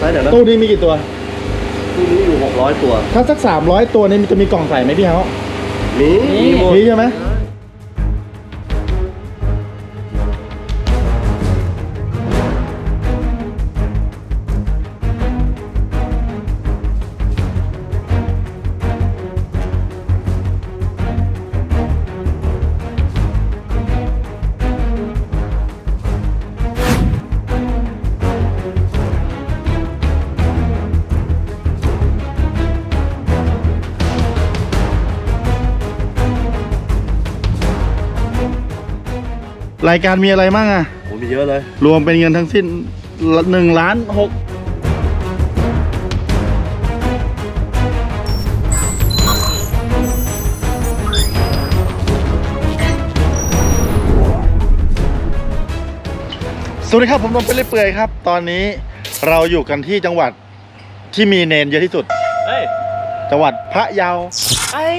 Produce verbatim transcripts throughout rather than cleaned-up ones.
ช่เดี๋ยวนะตู้นี้มีกี่ตัวตู้นี้อยู่หกร้อยตัวถ้าสักสามร้อยตัวนี้มันจะมีกล่องใส่ไหมพี่เฮามีมีหมดมีใช่ไหมรายการมีอะไรบ้างอะโอ้มีเยอะเลยรวมเป็นเงินทั้งสิ้นหนึ่งล้านหกสวัสดีครับผมนนท์เป็นเปื่อยครับตอนนี้เราอยู่กันที่จังหวัดที่มีเนนเยอะที่สุดเฮ้ยจังหวัดพะเยาไอ้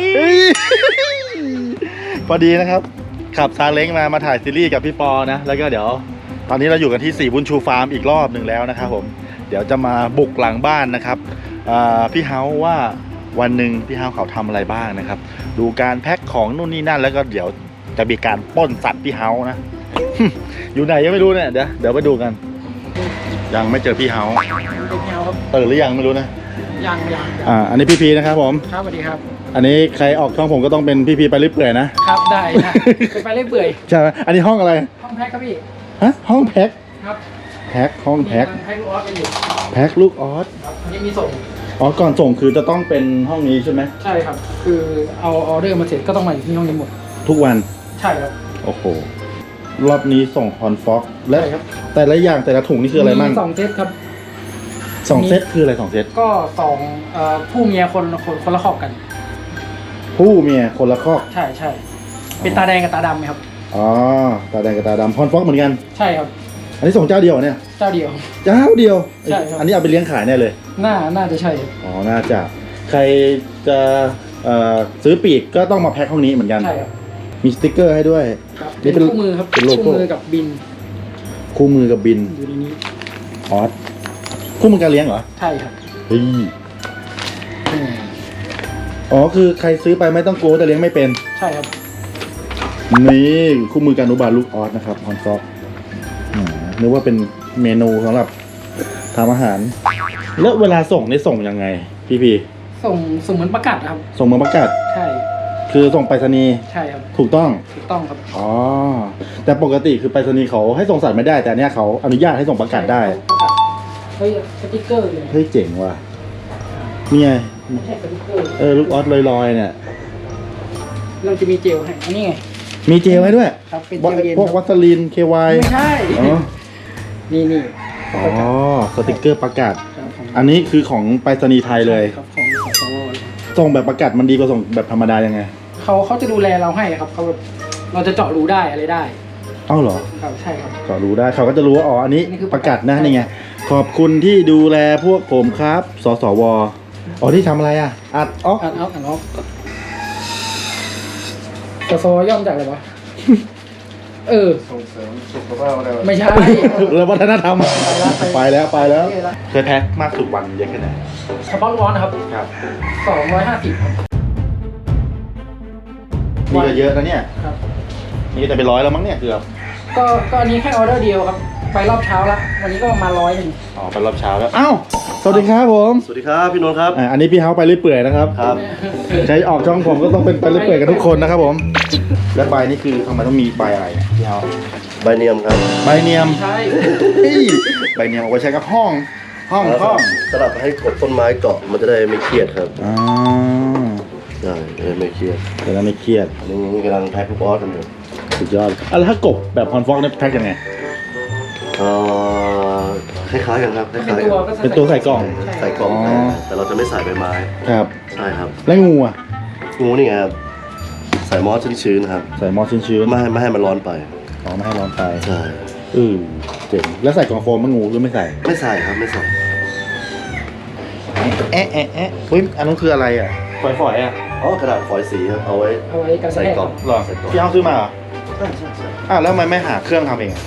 พอดีนะครับขับซาเล้งมามาถ่ายซีรีส์กับพี่ปอนะแล้วก็เดี๋ยวตอนนี้เราอยู่กันที่สี่บุญชูฟาร์มอีกรอบหนึ่งแล้วนะครับผมเดี๋ยวจะมาบุกหลังบ้านนะครับพี่เฮาว่าวันหนึ่งพี่เฮาเขาทำอะไรบ้างนะครับดูการแพ็คของนู่นนี่นั่นแล้วก็เดี๋ยวจะมีการปล้นสัตว์พี่เฮานะ อยู่ไหนยังไม่รู้เนี่ยเดี๋ยวเดี๋ยวไปดูกันยังไม่เจอพี่เฮาตื่นหรือยังไม่รู้นะยังยังอ่าอันนี้พี่พีนะครับผมครับสวัสดีครับอันนี้ใครออกช่องผมก็ต้องเป็นพี่พีไปเรื่อยเปื่อยนะครับได้นะไปเรื่อยเปื่อยใช่ไหมอันนี้ห้องอะไรห้องแพ็คครับพี่ฮะห้องแพ็คครับแพ็คห้องแพ็คแพ็คลูกออสกันอยู่แพ็คลูกออสนี่มีส่งอ๋อก่อนส่งคือจะต้องเป็นห้องนี้ใช่ไหมใช่ครับคือเอาออเดอร์มาเสร็จก็ต้องมาอยู่ที่ห้องนี้หมดทุกวันใช่ครับโอ้โหรอบนี้ส่งฮอนฟ็อกและแต่ละอย่างแต่ละถุงนี่คืออะไรบ้างสองเซตครับสองเซตคืออะไรสองเซตก็สองผู้เมียคนคนคนละครอบกันผู้เมียคนละครอบใช่ใช่เป็นตาแดงกับตาดำไหมครับอ๋อตาแดงกับตาดำฮอนฟ็อกเหมือนกันใช่ครับอันนี้ส่งเจ้าเดียวเนี่ยเจ้าเดียวเจ้าเดียวใช่ครับอันนี้เอาไปเลี้ยงขายแน่เลยน่าน่าจะใช่อ๋อน่าจะใครจะซื้อปีกก็ต้องมาแพ็คห้องนี้เหมือนกันใช่ครับมีสติ๊กเกอร์ให้ด้วยนี่เป็นคู่มือครับเป็นโลโก้คู่มือกับบินคู่มือกับบินอยู่ในนี้ออสคู่มือการเลี้ยงเหรอใช่ครับเฮ้ยอ๋อคือใครซื้อไปไม่ต้องกลัวแต่เลี้ยงไม่เป็นใช่ครับนี่คู่มือการอนุบาลลูกออสนะครับฮอนฟ็อกนึกว่าเป็นเมนูสำหรับทำอาหารแล้วเวลาส่งนี่ส่งยังไงพี่พีส่งส่งเหมือนประกาศครับส่งเหมือนประกาศใช่คือส่งไปรษณีย์ใช่ครับถูกต้องถูกต้องครับอ๋อแต่ปกติคือไปรษณีย์เขาให้ส่งสัตว์ไม่ได้แต่เนี้ยเขาอนุญาตให้ส่งประกาศได้เฮ้ยสติ๊กเกอร์เลยเฮ้ยเจ๋งว่ะนี่ไงเออลูกออสลอยๆเนี่ยเราจะมีเจลให้อันนี้ไงมีเจลให้ด้วยครับเป็นเจลเย็นพวกวัสลีนเควายไม่ใช่นี่นี่อ๋อสติ๊กเกอร์ประกาศอันนี้คือของไปรษณีย์ไทยเลยครับของของสวส่งแบบประกาศมันดีกว่าส่งแบบธรรมดายังไงเขาเขาจะดูแลเราให้ครับเขาเราจะเจาะรูได้อะไรได้เอ้าเหรอครับใช่ครับเจาะรูได้เขาก็จะรู้ว่าอ๋ออันนี้ประกาศนะนี่ไงขอบคุณที่ดูแลพวกผมครับสสวอ๋อที่ทำอะไรอ่ะอัดออกอัดออกอัดออกสสวย่อมจากอะไรวะเออส่งเสริมสุขภาพอะไรไม่ใช่เรื่องวัฒนธรรมไปแล้วไปแล้วเคยแพ็คมากสุดวันเยอะแค่ไหนเฉพาะร้อนนะครับครับสองร้อยห้าสิบครับนี่ก็เยอะนะเนี่ยครับนี่จะเป็นร้อยแล้วมั้งเนี่ยเกือบก็ก็อันนี้แค่ออเดอร์เดียวครับไปรอบเช้าละวันนี้ก็ประมาณร้อยหนึ่งอ๋อไปรอบเช้าแล้วอ้าวสวัสดีครับผมสวัสดีครับพี่นนท์ครับอ่าอันนี้พี่เฮาไปเรื่อยเปื่อยนะครับครับใช้ออกช่องผมก็ต้องเป็นไปเรื่อยเปื่อยกันทุกคนนะครับผมและใบนี่คือทำไมต้องมีใบอะไรพี่เฮาใบเนียมครับใบเนียมใช่ใบเนียมเอาไว้ใช้กับห้องห้องห้องสลับให้กบต้นไม้เกาะมันจะได้ไม่เครียดครับอ๋อใช่จะได้ไม่เครียดจะได้ไม่เครียดอันนี้กำลังแพ็คลูกออสกันอยู่สุดยอดอ่ะแล้วถ้ากบแบบฮอนฟ็อกเนี่ยแพ็คยังไงเอ่อคล้ายๆกันครับคล้ายๆกันเป็นตัวใส่กล่องใส่กล่องแต่เราจะไม่ใส่ใบไม้ครับใช่ครับแล้วงูอ่ะงูนี่ครับใส่มอสชื้นๆครับใส่มอสชื้นๆไม่ให้ไม่ให้มันร้อนไปอ๋อไม่ให้ร้อนไปใช่อือเจ๋งแล้วใส่กล่องโฟมมันงูหรือไม่ใส่ไม่ใส่ครับไม่ใส่แอะแอะแอะเฮ้ยอันนั้นคืออะไรอ่ะฝอยๆอ่ะอ๋อกระดาษฝอยสีครับเอาไว้เอาไว้ใส่กล่องหรอพี่เอาซื้อมาเหรอใช่ใช่ใช่อ่ะแล้วทำไมไม่หาเครื่องทำเอง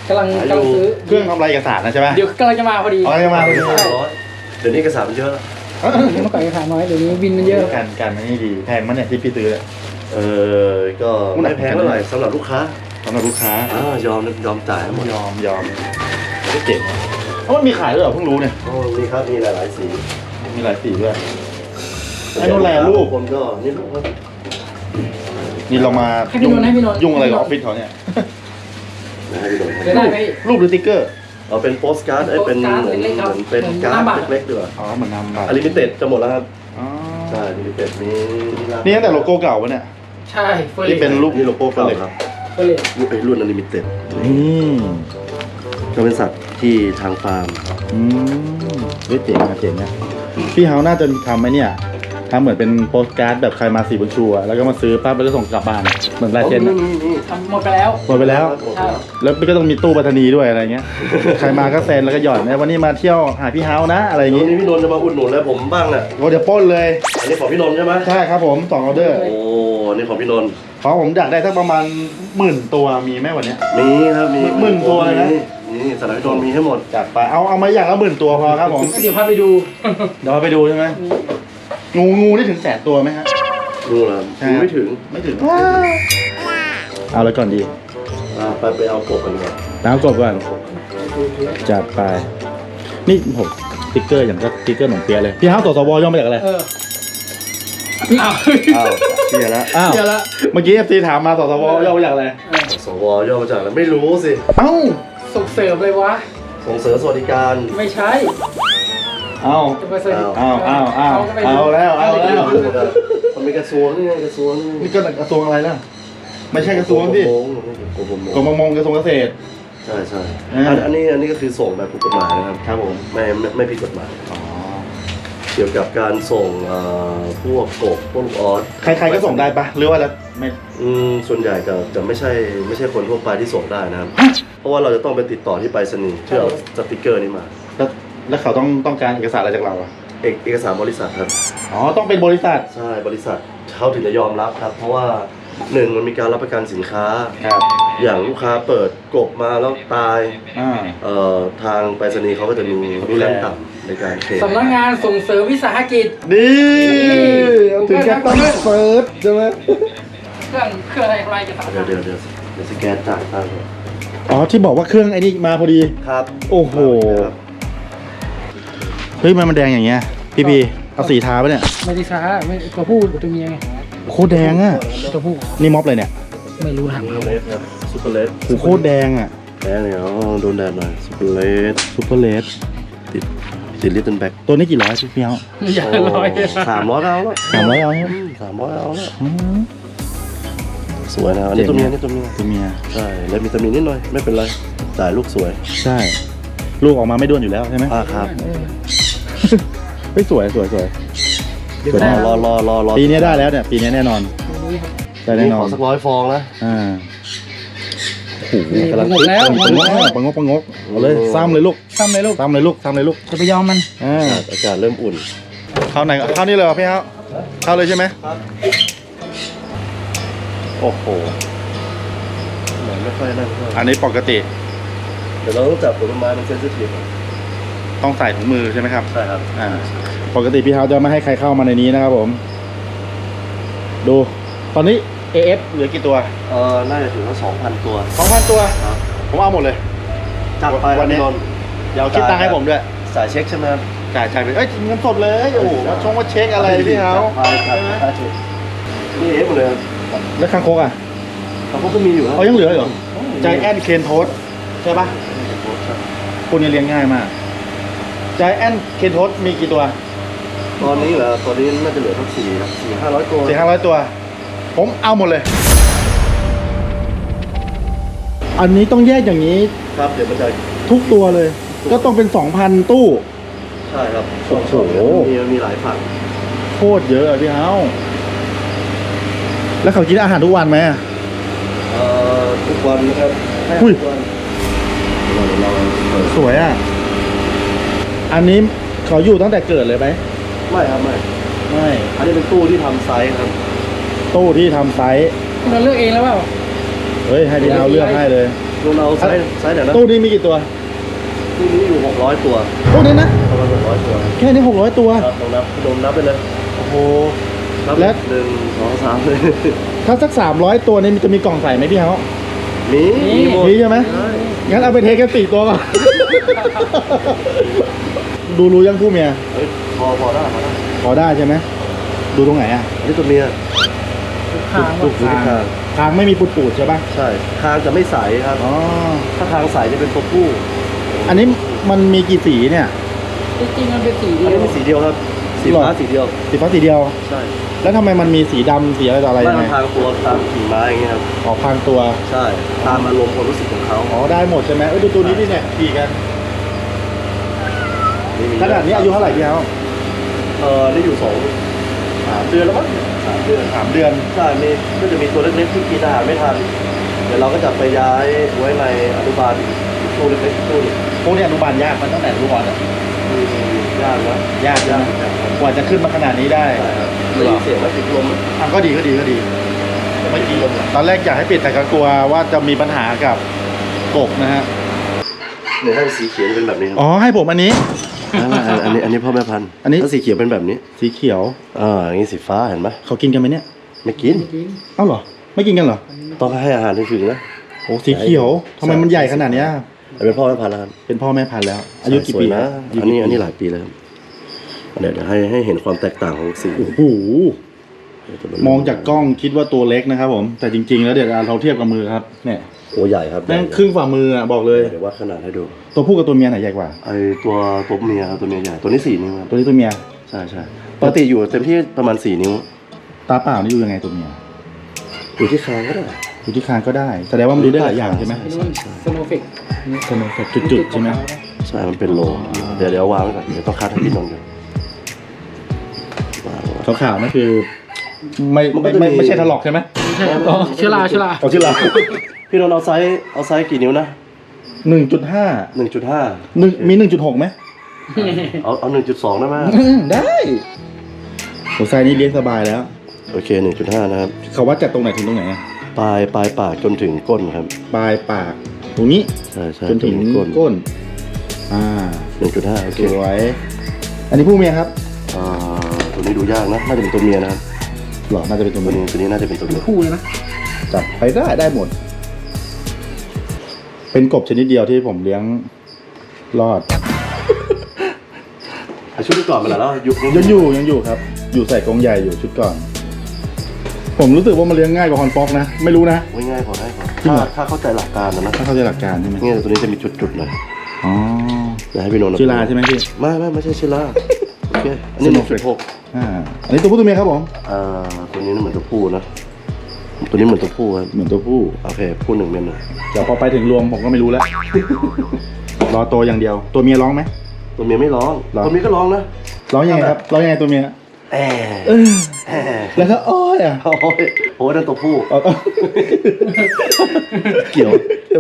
กำลังกำลังซื้อเครื่องทำลายเอกสารนะใช่ไหมเดี๋ยวกำลังจะมาพอดีอ๋อจะมาพอดีร้อยเดี๋ยวนี้เอกสารมันเยอะแล้วเมื่อก่อนราคาน้อยเดี๋ยวนี้วินมันเยอะการการมันนี่ดีแพงมั้ยเนี่ยที่พี่ซื้อเนี่ยเออก็ไม่แพงเท่าไหร่สำหรับลูกค้าสำหรับลูกค้าอ่ายอมยอมจ่ายหมดยอมยอมก็เก่งว่ะเอ้ามันมีขายด้วยเหรอเพิ่งรู้เนี่ยโอ้มีครับมีหลายๆสีมีหลายสีด้วยไอ้นู่นแหละลูกคนก็นี่ลูกครับนี่เรามาให้พี่นนท์ให้พี่นนท์ยุ่งอะไรกับออฟฟิศเขาเนี่ยนะให้ดูหน่อยเดี๋ยวได้ไหมรูปหรือติ๊กเกอร์เอาเป็นโปสการ์ดเอ้ยเป็นเหมือนโปสการ์ดเล็กๆครับเหมือนเป็นการ์เหมือนหน้าบัตดรเล็กๆด้วยอ๋อเหมือนนำบัตรอลิมิเต็ดจะหมดแล้วครับอ๋อใช่ลิมิเต็ดมีนี่ตั้งแต่โลโก้เก่าปะเนี่ยใช่เฟอร์ที่เรเป็นสรูปนี่โลโก้เก่าครับเฟอร์เรสรุ่นไอ้รุ่นอลิมิเต็ดอืมก็เป็นสัตว์ที่ทางฟาร์มอืมเฮ้ยเจ๋งอะเจ๋งอะพี่เฮาน่าจะทำไหมเนี่ยทำเหมือนเป็นโปสการ์ดแบบใครมาสี่บนชัวร์แล้วก็มาซื้อปั๊บแล้วก็ส่งกลับบ้านเหมือนลายเซ็นอะนี่นี่ทำหมดไปแล้วหมดไปแล้วหมดแล้วแล้วก็ต้องมีตู้ไปรษณีย์ด้วยอะไรเงี้ย ใครมาก็เซ็นแล้วก็หย่อนนะวันนี้มาเที่ยวหาพี่เฮานะอะไรอย่างวันงี้นี้พี่นนท์จะมาอุดหนุนแล้วผมบ้างน่ะโอ้เดี๋ยวปล้นเลยอันนี้ของพี่นนท์ใช่ไหมใช่ครับผมสองออเดอร์โอ้นี่ของพี่นนท์เพราะผมอยากได้สักประมาณหมื่นตัวมีไหมวันเนี้ยมีครับมีหมื่นตัวเลยนะนี่สำหรับพี่นนท์มีให้หมดจัดไปเอาเอามาอย่างละหมื่นตัวพอครับผมเดี๋ยวพาไปดูเดี๋ยวเราไปดูใช่ไหมงูงูนี่ถึงแสนตัวไหมฮะดูแล้วใช่ไม่ถึงไม่ถึงเอาแล้วก่อนดีอ่าไปไปเอากบกันดีกว่าน้ำกบก่อนจัดไป นี่ผมสติ๊กเกอร์อย่างก็สติ๊กเกอร์หนมเปียะเลยพี่เฮาสสวย่อมาจากอะไรเอออ้าวอ้าวเชียร์แล้วอ้าวเดี๋ยวละเมื่อกี้เอฟซีถามมาสสวย่อมาจากอะไรสวย่อมาจากอะไรไม่รู้สิเอ้าส่งเสริมเลยวะส่งเสริมสวัสดิการไม่ใช่เอ้าจะไปเสริมอ้าวอ้าวอ้าวก็ไม่เอารู้แล้วเอาแล้วมันมีกระทรวงนี่ไงกระทรวงนี่ก็กระทรวงอะไรล่ะไม่ใช่กระทรวงพี่กรมกรมกรมประมงกระทรวงเกษตรใช่ใช่อ่าอันอันนี้อันนี้ก็คือส่งแบบถูกกฎหมายนะครับครับผมไม่ไม่ไม่ผิดกฎหมายอ๋อเกี่ยวกับการส่งเอ่อพวกกบพวกลูกออสใครๆก็ส่งได้ปะหรือว่าแล้วไม่อืมส่วนใหญ่จะจะไม่ใช่ไม่ใช่คนทั่วไปที่ส่งได้นะครับ เพราะว่าเราจะต้องไปติดต่อที่ไปรษณีย์เพื่อเอาสติกเกอร์นี้มาแล้วแล้วเขาต้องต้องการเอกสารอะไรจากเราอะเอกเอกสารบริษัทครับอ๋อต้องเป็นบริษัทใช่บริษัทเขาถึงจะยอมรับครับ เพราะว่าหนึ่งมันมีการรับประกันสินค้าครับอย่างลูกค้าเปิดกบมาแล้วตายอ่าเอ่อทางไปรษณีย์เขาก็จะมีดูแลขั้นต่ำในการเคลมสำนักงานส่งเสริมวิสาหกิจนี่เอาถึงแค่ต้องเฟิร์สใช่ไหมเครื่องเครื่องอะไรอะไรจะทำเดี๋ยวเดี๋ยวเดี๋ยวเดี๋ยวสแกนจ่ายตังค์ก่อนอ๋อที่บอกว่าเครื่องไอ้นี่มาพอดีครับโอ้โหครับเฮ้ยมันมันแดงอย่างเงี้ยพี่พีเอาสีทาปะเนี่ยไม่ได้ช้าไม่ตัวผู้กับตัวเมียไงโคตรแดงอ่ะตัวผู้นี่ม็อบเลยเนี่ยไม่รู้ถามซูเขาเปอร์เลสครับซูเปอร์เลสโอ้โหโคตรแดงอ่ะแดงเนี่ยอ๋อโดนแดดหน่อยซูเปอร์เลสซูเปอร์เลสติดติดลิตเติ้ลแบ็คตัวนี้กี่ร้อยพี่เมียวอย่าร้อยสามร้อยเอาแล้วสามร้อยเอาเนี่ยสามร้อยเอาแล้วอืมสวยนะอันนี้ตัวเมียนี่ตัวเมียตัวเมียใช่แล้วมีตำหนินิดหน่อยไม่เป็นไรจ่ายลูกสวยใช่ ลูกออกมาไม่ด้วนอยู่แล้วใช่ไหมอ่าครับเฮ้ยสวยสวยสวยเดี๋ยวสวยได้มากรอรอรอรอปีนี้ได้แล้วเนี่ย ปีนี้แน่นอนได้แน่นอขอน สักร้อยฟองนะอ่าโอ้โหนี่กำลังหมดแล้วปังงกปังงกปังงกเอาเลยซ้ำเลยลูกซ้ำเลยลูกซ้ำเลยลูกซ้ำเลยลูกจะไปยอมมันอ่าอากาศเริ่มอุ่นเข้าไหนเข้านี่เลยเหรอพี่เฮาเข้าเลยใช่ไหมโอ้โหเหมือนไม่ค่อยนั่นเท่าไหร่อันนี้ปกติเดี๋ยวเราต้องจับผลไม้มันเซนซิทีฟต้องใส่ถุงมือใช่ไหมครับใช่ครับอ่า ปกติพี่เฮาจะไม่ให้ใครเข้ามาในนี้นะครับผม ดู ตอนนี้ เอ เอฟ เหลือกี่ตัวเออน่าจะถึงว่าสองพันตัวสองพันตัวครับผมเอาหมดเลยจัดไปวันนี้พี่นนท์เดี๋ยวคิดตังค์ให้ผมด้วยสายเช็คใช่ไหมครับจ่ายจ่ายไปเอ้ยเงินสดเลย โอ้โหมาชงมาเช็คอะไรพี่เฮาจัดไปจัดไปนี่เอฟหมดเลยครับแล้วคางคกอ่ะเขาก็มีอยู่นะเอายังเหลือเหรอใจแอนเคนโทสใช่ปะคุณเนี่ยเลี้ยงง่ายมากใจแอนเคนโทสมีกี่ตัวตอนนี้เหรอตอนนี้น่าจะเหลือทั้งสี่สี่ห้าร้อยตัวสี่ห้าร้อยตัว ผมเอาหมดเลย อันนี้ต้องแยกอย่างนี้ครับเดี๋ยวมันจะทุกตัวเลย ก็ต้องเป็นสองพันตู้ใช่ครับโอ้โหมีมีหลายฝั่งโคตรเยอะอะพี่เฮาแล้วเขากินอาหารทุกวันไหมอะเอ่อทุกวันนะครับให้อุ้ยทุกวันเราเราเปิดสวยอ่ะ อันนี้เขาอยู่ตั้งแต่เกิดเลยไหมไม่ครับไม่ไม่อันนี้เป็นตู้ที่ทำไซส์ครับตู้ที่ทำไซส์เราเลือกเองแล้วเปล่าเฮ้ยให้พี่เฮาเลือกให้เลยตตัวเราไซส์ไซส์ไหนนะตู้นี้มีกี่ตัวตู้นี้อยู่หกร้อยตัวตู้นี้นะประมาณหกร้อยตัวแค่นี้หกร้อยตัวครับลองนับลองนับไปเลยโอ้โหนับและหนึ่งสองสามเลยถ้าสักสามร้อยตัวนี่มันจะมีกล่องใส่ไหมพี่เฮามีมีหมดมีใช่ไหมใช่งั้นเอาไปเทกันสี่ตัวก่อน ดูรู้ยังผู้เมียเฮ้ยพอพอได้พอได้พอได้ใช่ไหมดูตรงไหนอ่ะอันนี้ตัวเมียทางลูกอยู่ที่คางทางไม่มีปูดๆใช่ป่ะใช่คางจะไม่ใสครับอ๋อถ้าคางใสจะเป็นตัวผู้อันนี้มันมีกี่สีเนี่ยจริงๆมันเป็นสีอันเดียนี้วมีสีเดียวครับสีฟ้าสีเดียวสีฟ้าสีเดียวใช่แล้วทำไมมันมีสีดำสีอะไรต่ออะไรไม่ยังไงมันทางตัวตามกิ่งไม้อย่างเงี้ยครับออกพรางตัวใช่ตามอารมณ์ความรู้สึกของเขาอ๋อได้หมดใช่ไหมเอ้ยดูตัวนี้ดิเนี่ยขี่กันนี่มีขนาดนี้อายุเท่าไหร่พี่เฮาเออนี่อยู่สองสามเดือนแล้วมั้งสามเดือนสามเดือนใช่มีก็จะมีตัวเล็กๆที่กินอาหารไม่ทันเดี๋ยวเราก็จะไปย้ายไว้ในอนุบาลอีกตู้เล็กๆตู้หนึ่งพวกนี้อนุบาลยากมันตั้งแต่อนุบาลอะมียากนะยากยากนะกว่าจะขึ้นมาขนาดนี้ได้ใช่ครับได้ยินเสียงแล้วติดลมไหมอ่ะก็ดีก็ดีก็ดีไม่ดีตอนแรกอยากให้ปิดแต่ก็กลัวว่าจะมีปัญหากับกบนะฮะเนี่ยถ้าสีเขียวเป็นแบบนี้ครับอ๋อให้ผมอันนี้อ่าอันนี้อันนี้พ่อแม่พันธุ์อันนี้ถ้าสีเขียวเป็นแบบนี้สีเขียวอ่าอย่างนี้สีฟ้าเห็นไหมเขากินกันไหมเนี่ยไม่กินเอ้าเหรอไม่กินกันเหรอต้องให้อาหารถึงๆนะโอ้สีเขียวทำไมมันใหญ่ขนาดเนี้ยอันเป็นพ่อแม่พันธุ์แล้วครับเป็นพ่อแม่พันธุ์แล้ว อายุกี่ปีสวนะอายุอันนี้กี่ปีอันนี้หลายปีแล้วครับเดี๋ยวเดี๋ยวให้ให้เห็นความแตกต่างของสีโอ้โหมองจากกล้องคิดว่าตัวเล็กนะครับผมแต่จริง ๆ แล้วเดี๋ยวเราเทียบกับมือครับเนี่ยโอ้ใหญ่ครับแม่งครึ่งฝ่ามืออ่ะบอกเลยเดี๋ยววัดขนาดให้ดูตัวผู้กับตัวเมียไหนใหญ่กว่าไอตัวตัวเมียครับตัวเมียใหญ่ตัวนี้สี่นิ้วครับตัวนี้ตัวเมียใช่ใช่ปกติอยู่เต็มที่ประมาณสี่นิ้วตาเปล่านี่ดูยังไงตัวเมียอยู่ที่คางก็ได้ดูที่คางก็ได้แสดงว่ามันดูได้หลายอย่างใช่ไหมอันนี้มันสโนว์เฟกสโนว์เฟกจุดๆใช่ไหมใช่มันเป็นโลเดี๋ยวเดี๋ยววางไว้ก่อนเดี๋ยวต้องคัดให้พี่นนท์ก่อนวางไว้ขาวๆนั่นคือไม่มันก็ไม่จะมีไม่ไม่ใช่ถลอกใช่ไหมใช่ครับอ๋อเชื้อราเชื้อราเอาชื่อเราพี่นนท์เอาไซส์เอาไซส์กี่นิ้วนะหนึ่งจุดห้าหนึ่งจุดห้าหนึ่งมีหนึ่งจุดหกไหมเอาเอาหนึ่งจุดสองได้ไหมได้หัวไซนี้เลี้ยงสบายแล้วโอเคหนึ่งจุดห้านะครับเขาวัดจากตรงไหนถึงตรงไหนอะปลายปลายปากจนถึงก้นครับปลายปากตรงนี้ใช่ใช่จนถึงก้นก้นอ่าหนึ่งจุดห้าโอเคสวย อันนี้ผู้เมียครับอ่าตัวนี้ดูยากนะน่าจะเป็นตัวเมียนะครับหรอน่าจะเป็นตัวตัวเมียนี้ตัวนี้น่าจะเป็นตัวเมียคู่เลยนะจับไปได้ได้หมด เป็นกบชนิดเดียวที่ผมเลี้ยงรอดอ่ะชุดที่ก่อนมาแล้วยุคยังอยู่ยังอยู่ครับ อยู่ใส่กรงใหญ่อยู่ชุดก่อน ผมรู้สึกว่ามันเลี้ยงง่ายกว่าฮอนฟ็อกนะ ไม่รู้นะไว้ง่ายพอได้พอจริงถ้าเหรอถ้าเข้าใจหลักการนะนะถ้าเข้าใจหลักการใช่ไหมเนี่ยตัวนี้จะมีจุดๆหน่อยอ๋อเดี๋ยวให้พี่นนท์ชื่อลาใช่ไหมพี่ไม่ไม่ไม่ใช่ชื่อลาโอเคอันนี้หนึ่งจุดหกอ่าอันนี้ตัวผู้ตัวเมียครับผมอ่าตัวนี้เหมือนตัวผู้นะตัวนี้เหมือนตัวผู้ครับเหมือนตัวผู้โอเคผู้หนึ่งเมียหนึ่งเดี๋ยวพอไปถึงรวมผมก็ไม่รู้แล้ว รอโตอย่างเดียว ตัวเมียร้องไหมตัวเมียไม่ร้องร้องตัวเมียก็ร้องนะร้องยังไงครับ ร้องยังไงตัวเมียแอเออแอแล้วก็อ้อยอ่ะโอ้ยโอ้ยนั่นตัวผู้เอาเอาเกี่ยว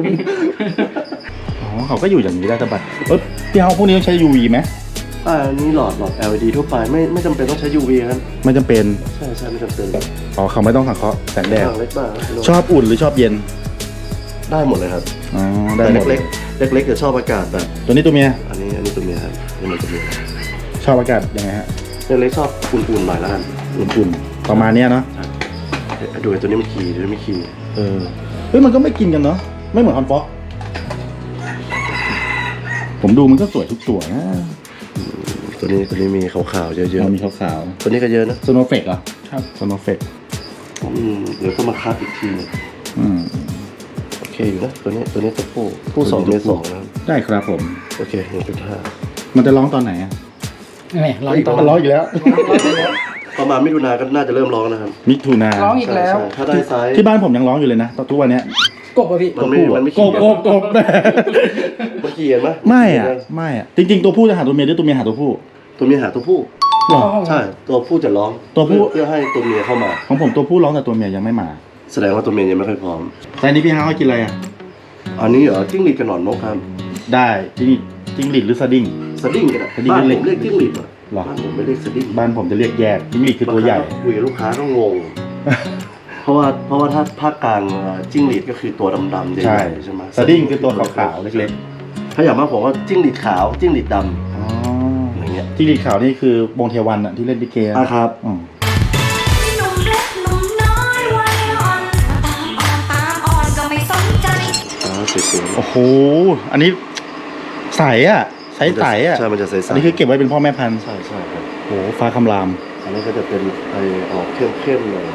อ๋อเขาก็อยู่อย่างนี้ได้สบายเออพี่เอาพวกนี้ต้องใช้ ยู วี ไหมอ่านี่หลอดหลอด แอล อี ดี ทั่วไปไม่ไม่จำเป็นต้องใช้ ยู วี ครับไม่จำเป็นใช่ใช่ไม่จำเป็นอ๋อเขาไม่ต้องสังเคราะห์แสงแดดทางเล็กบ้างครับชอบอุ่นหรือชอบเย็นได้หมดเลยครับอ๋อได้แต่หมดเล็กๆเล็กๆจะชอบอากาศแบบตัวนี้ตัวเมียอันนี้อันนี้ตัวเมียครับนี่มันตัวเมียชอบอากาศยังไงฮะเล็กๆชอบอุ่นๆหน่อยแล้วกันอุ่นๆประมาณเนี้ยเนาะเดี๋ยวดูไอ้ตัวนี้มันขี่ตัวนี้ไม่ขี่เออเฮ้ยมันก็ไม่กินกันเนาะไม่เหมือนฮอนฟ็อกผมดูมันก็สวยทุกตัวนะตัวนี้ตัวนี้มีขาวๆเยอะมันมีขาวๆตัวนี้ก็เยอะนะๆสโนว์เฟกเหรอครับสโนว์เฟกอืมเดี๋ยวก็มาคัดอีกทีอืมโอเคอยู่นะตัวนี้ตัวนี้ตัวผู้ผู้สองเมียสองนะครับได้ครับผมโอเคหนึ่งจุดห้ามันจะร้องตอนไหนอ่ะแหมร้องตอนมันร้องอีกแล้วประมาณมิถุนาก็น่าจะเริ่มร้องนะครับมิถุนาร้องอีกแล้วใช่ใช่ถ้าได้ไซส์ที่บ้านผมยังร้องอยู่เลยนะตอนทุกวันเนี้ยกบอะพี่มันไม่มันไม่กขี่บกบกบแม่มันขี่เห็นไหมไม่อ่ะไม่อ่ะจริงๆตัวผู้จะหาตัวเมียหรือตัวเมียหาตัวผู้ตัวเมียหาตัวผู้หรอใช่ตัวผู้จะร้องตัวผู้เพื่อเพื่อให้ตัวเมียเข้ามาของผมตัวผู้ร้องแต่ตัวเมียยังไม่มาแสดงว่าตัวเมียยังไม่ค่อยพร้อมไซส์นี้พี่ฮาวให้กินอะไรอ่ะอันนี้เหรอจิ้งหรีดกับหนอนนกครับได้จิ้งจิ้งหรีดหรือสดิ้งสดิ้งกันอะสดิ้งบ้านเล็ผกมเรียกจิ้งหรีดอะหรอบ้านผมไม่เรียกสดิ้งบ้านผมจะเรียกแยกจิ้งหรีดคือตัวใหญ่คุยกับลูกค้าก็งงเพราะว่าเพราะว่าถ้าภาคกลางจิ้งหรีดก็คือตัวดำๆใหใช่ญ่ๆใช่ไหมสดิ้งคือตัวขาวๆเล็กถ้าอย่างมากผมว่าจิ้งหรีดขาวจิ้งหรีดดๆอ๋อำอย่างเงี้ยที่ดีขาวนี่คือวงเทวันอะที่เล่นลิเกอะอ่ะครับอืมหนุ่มเล็กหนุ่มน้อยวัยอ่อนตามอ่อนตามอ่อนก็ไม่สนใจอ๋อสวยๆโอ้โหอันนี้ใสอะใสใสๆอะใช่มันจะใสๆอันนี้คือเก็บไว้เป็นพ่อแม่พันธุ์ใช่ใช่ครับโอ้โหฟ้าคำรามอันนี้ก็จะเป็นไอออกเข้มๆเลย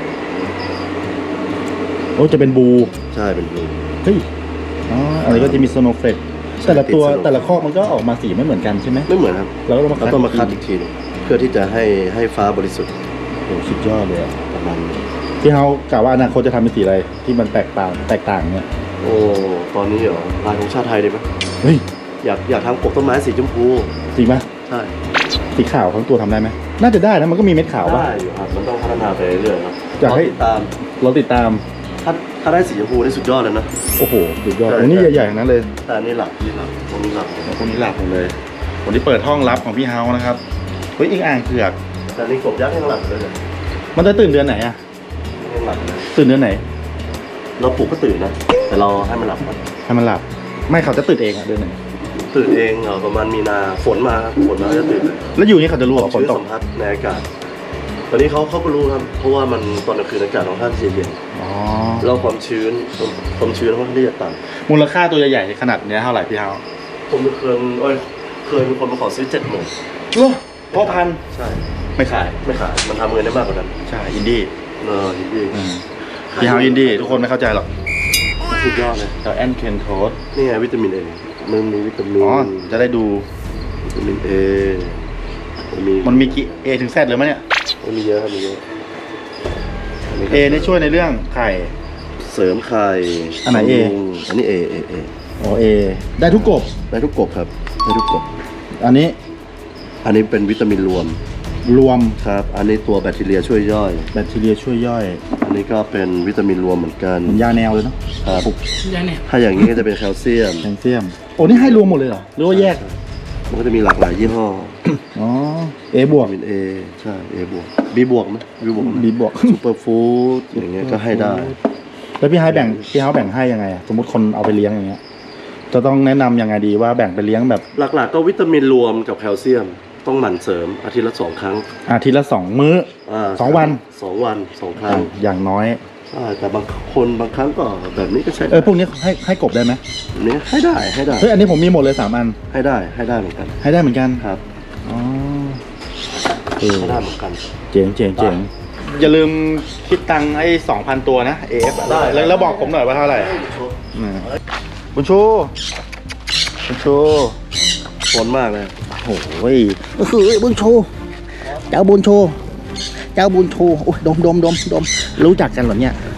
โอ้จะเป็นบูใช่เป็นบลูเฮ้ยอ๋ออันนี้ก็จะมีสโนว์เฟลกใช่แต่ละตัวติด snow แต่ละข้อมันก็ออกมาสีไม่เหมือนกันใช่ไหมไม่เหมือนครับเราก็ต้องมาเราคัดต้องมาคัดอีกทีหนึงเพื่อที่จะให้ให้ฟ้าบริสุทธิ์โอ้โหสุดยอดเลยอะประมาณนี้พี่เฮากะว่าอนาคตจะทำเป็นสีอะไรที่มันแตกต่างแตกต่างเนี่ยโอ้ตอนนี้เหรอลายของชาติไทยดีไหมเฮ้ยอยากอยากทำปกต้นไม้สีชมพูจริงปะใช่สีขาวทั้งตัวทำได้ไหมน่าจะได้นะมันก็มีเม็ดขาวปะได้อยู่ครับมันต้องพัฒนาไปเรื่อยๆครับอยากให้รติดตามเราติดตามถ้าถ้าได้สีชมพูนี่สุดยอดเลยนะโอ้โหสุดยอดใช่โอ้นี่ใช่ใหญ่ๆทั้งนั้นเลยแต่อันนี้หลับนี่หลับตรงนี้หลับพวกนี้หลับหมดเลยวันนี้เปิดห้องลับของพี่เฮานะครับเฮ้ยอีกอ่างเผือกแต่นี่กบยักษ์ยังหลับเลยเนี่ยมันจะตื่นเดือนไหนอะยังหลับเลยตื่นเดือนไหนเราปลุกก็ตื่นนะ แต่เราให้มันหลับก่อนให้มันหลับ ไม่เขาจะตื่นเองอะเดือนไหนตื่นเองเหรอประมาณมีนาฝนมาครับฝนมาจะตื่นเลยแล้วอยู่นี่เขาจะรู้เหรอฝนชื้นตกสัมผัสในอากาศ ตอนนี้เขาเขาก็รู้ครับเพราะว่ามันตอนกลางคืนอากาศของท่านเย็นอ๋อๆแล้วความชื้นความชื้นค่อนข้างที่จะต่มูลค่าตัวใหญ่ๆขนาดเนี้ยเท่าไหร่พี่เฮาำผมเคยเอ้ยเคยมีคนมาขอซื้อเจ็ดหมื่นโอ้พ่อพันใช่ไม่ขายไม่ขายมันทำเงินได้มากกว่านั้นใช่อินดี้เออจริงอืมพี่เฮาอินดี้ทุกคนไม่เข้าใจหรอกๆสุดยอดเลยแต่แอนเคนโทสนี่ไงวิตามินเอมันมีวิตามินอ๋อจะได้ดูวิตามินเอมันมีมันมีกี่ A ถึง Z เลยมั้ยเนี่ยมันมีเยอะครับมีเยอะ A นี่ช่วยในเรื่องไข่เสริมไข่อันไหน A บำรุงอันนี้ A A A อ๋อ A ได้ทุกกบได้ทุกกบครับได้ทุกกบอันนี้อันนี้เป็นวิตามินรวมรวมครับ อันนี้ตัวแบคทีเรียช่วยย่อยแบคทีเรียช่วยย่อยอันนี้ก็เป็นวิตามินรวมเหมือนกันเหมือนยาแนวเลยเนาะครับยาเนี่ยถ้าอย่างนี้ก็จะเป็นแคลเซียมแคลเซียมโอ้นี่ให้รวมหมดเลยเหรอหรือว่าแยกมันก็จะมีหลากหลายยี่ห้ออ๋อ A บววิกตามิน A ใช่ A บวก B บวกไหม B บวกไหม B บวกซูเปอร์ฟู้ดอย่างเงี้ยก็ให้ได้แล้วพี่ไฮแบ่งพี่ไฮแบ่งให้ยังไงอะสมมติคนเอาไปเลี้ยงอย่างเงี้ย จะต้องแนะนำยังไงดีว่าแบ่งไปเลี้ยงแบบหลักๆก็วิตามินรวมกับแคลเซียม ต้องหมั่นเสริมอาทิตย์ละสองครั้งอาทิตย์ละสองมื้อาสองวันสองวันสองครั้อ่ะงอย่างน้อยใช่แต่บางคนบางครั้งก็แบบนี้ก็ใช่เออพวกนี้ให้ให้กบได้ไหมแบบนี้ให้ได้ให้ได้เฮ้ยอันนี้ผมมีหมดเลยสามอันให้ได้ให้ได้เหมือนกันให้ได้เหมือนกันครับอ๋อเออให้ได้เหมือนกันเจ๋งเจ๋งเจ๋งอย่าลืมคิดตังค์ไอ้สองพันตัวนะ เอฟได้แล้วแล้วบอกผมหน่อยว่าเท่าไหร่อืมบุญชูบุญชูฝนมากเลยโอ้โหก็คือบุญชูเจ้าบุญชูเจ้าบุญชูโอ้ยดมดมดมดมรู้จักกันเหรอเนี่ย